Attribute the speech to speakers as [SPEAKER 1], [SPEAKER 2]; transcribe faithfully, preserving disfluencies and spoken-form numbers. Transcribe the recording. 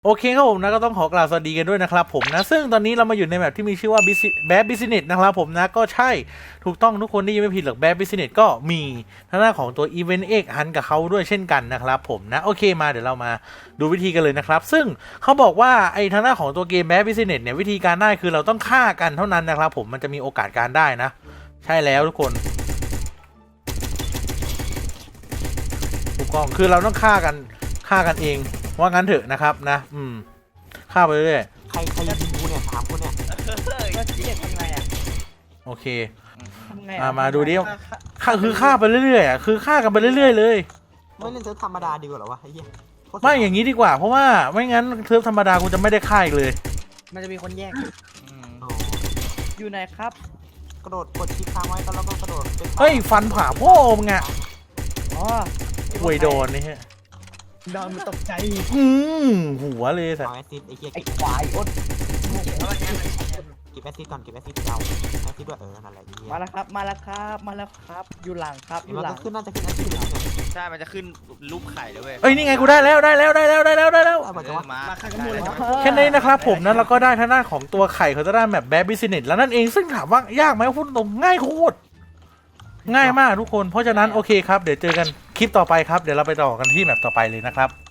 [SPEAKER 1] โอเคครับผมนะก็ต้องขอกล่าวสวัสดีกันด้วยนะครับผมนะซึ่งตอนนี้เรามาอยู่ในแบบที่มีชื่อว่า Bad Business นะครับผมนะก็ใช่ถูกต้องทุกคนที่ยังไม่ผิดหรอก Bad Business ก็มีทางด้านของตัว Event X Hunt กับเขาด้วยเช่นกันนะครับผมนะโอเคมาเดี๋ยวเรามาดูวิธีกันเลยนะครับซึ่งเขาบอกว่าไอ้ทางด้านของตัวเกม Bad Business เนี่ยวิธีการได้คือเราต้องฆ่ากันเท่านั้นนะครับผมมันจะมีโอกาสการได้นะใช่แล้วทุกคนถูกต้องคือเราต้องฆ่ากันฆ่ากันเองว่างั้นเถอะนะครับนะอืมฆ่าไปเรื่อย
[SPEAKER 2] ใครใครยิงกูเนี่ยสามคนเนี่ย
[SPEAKER 3] ก็เจ็บทำไงอ่ะ
[SPEAKER 1] โอเค
[SPEAKER 3] ทำไง
[SPEAKER 1] มามาดูดิฆ่าคือฆ่าไปเรื่อยๆอ่ะคือฆ่ากันไปเรื่อยๆเลย
[SPEAKER 2] ไม่เล่นเซิร์ฟธรรมดาดีกว่าเหรอวะไอ้เหี้ยโคตร
[SPEAKER 1] ไม่อย่างนี้ดีกว่าเพราะว่าไม่งั้นเทิร์ฟธรรมดากูจะไม่ได้ฆ่าอีกเลย
[SPEAKER 3] มันจะมีคนแยก
[SPEAKER 2] โอ้
[SPEAKER 3] อยู่ไหนครับ
[SPEAKER 2] กระโดดกดชิปค้างไว้แล้วก็กระโดดเป็น
[SPEAKER 1] เฮ้ยฟันผ่าพ่อมึงอ่ะ
[SPEAKER 3] อ๋อ
[SPEAKER 1] ห่วยโดนนี่ฮะ
[SPEAKER 3] ดอนมันตกใจ
[SPEAKER 1] อืมหัวเลยสัต
[SPEAKER 2] เอา
[SPEAKER 1] ว์
[SPEAKER 2] แอซิดไอ้เหี้ย
[SPEAKER 3] ไอ้
[SPEAKER 2] เก็บ
[SPEAKER 3] ควายอด
[SPEAKER 2] เก็บแอซิดก่อนเก็บแอซิดเอาแอซิดด้วยเออนั่นแหละไอ้เหี้ย
[SPEAKER 3] มาแล้วครับ มาแล้วครับ มาแล้วครับ อยู่หลังครับอ
[SPEAKER 2] เห็น
[SPEAKER 3] ยู่
[SPEAKER 2] มัน
[SPEAKER 3] หลั
[SPEAKER 2] ก็
[SPEAKER 3] ง
[SPEAKER 2] ขึ้นน่าจะขึ้นแอซิดแล้วเนี่ย
[SPEAKER 4] ใช่ มันจะขึ้นรูปไข่เลยเว้ย
[SPEAKER 1] เอ้ยนี่ไงกูได้แล้วได้แล้วได้แล้วได้แล้วได้แล้ว
[SPEAKER 2] เอามาจะว่า
[SPEAKER 4] มา
[SPEAKER 3] มาข้างบนเลย
[SPEAKER 1] แค่นี้นะครับผมนั้นเราก็ได้ทางด้านของตัวไข่เขาจะได้แบบแบดบิสเนสแล้วนั่นเองซึ่งถามว่ายากไหมพูดตรงง่ายโคตรง่ายมากทุกคนเพราะฉะนั้นโอเคครับเดี๋ยวเจอกันคลิปต่อไปครับเดี๋ยวเราไปต่อกันที่แมปต่อไปเลยนะครับ